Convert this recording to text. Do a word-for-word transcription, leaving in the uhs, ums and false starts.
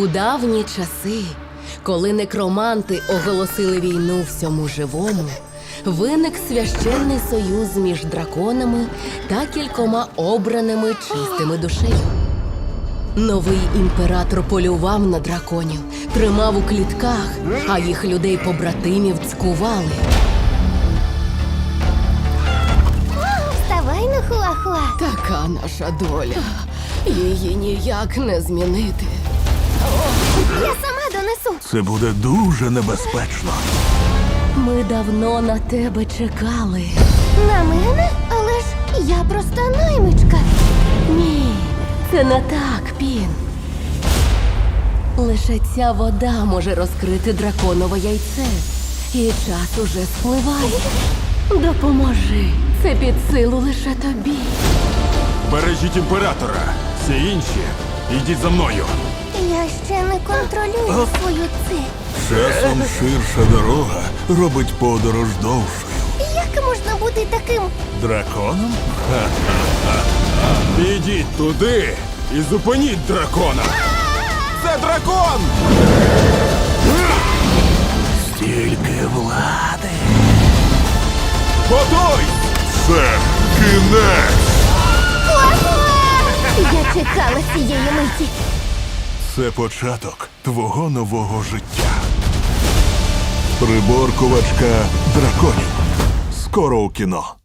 У давні часи, коли некроманти оголосили війну всьому живому, виник священний союз між драконами та кількома обраними чистими душею. Новий імператор полював на драконів, тримав у клітках, а їх людей-побратимів цькували. Вставай на хуахуа. Така наша доля. Її ніяк не змінити. Я сама донесу. Це буде дуже небезпечно. Ми давно на тебе чекали. На мене? Але ж я просто наймичка. Ні, це не так, Пін. Лише ця вода може розкрити драконове яйце. І час уже спливає. Допоможи. Це під силу лише тобі. Бережіть імператора. Всі інші, йдіть за мною. Я ще не контролюю свою ци. Часом ширша дорога робить подорож довшою. Як можна бути таким? Драконом? Ідіть туди і зупиніть дракона. Це дракон! Стільки влади. Готуй! Це кінець! Я чекала цієї миті. Це початок твого нового життя. Приборкувачка драконів. Скоро у кіно.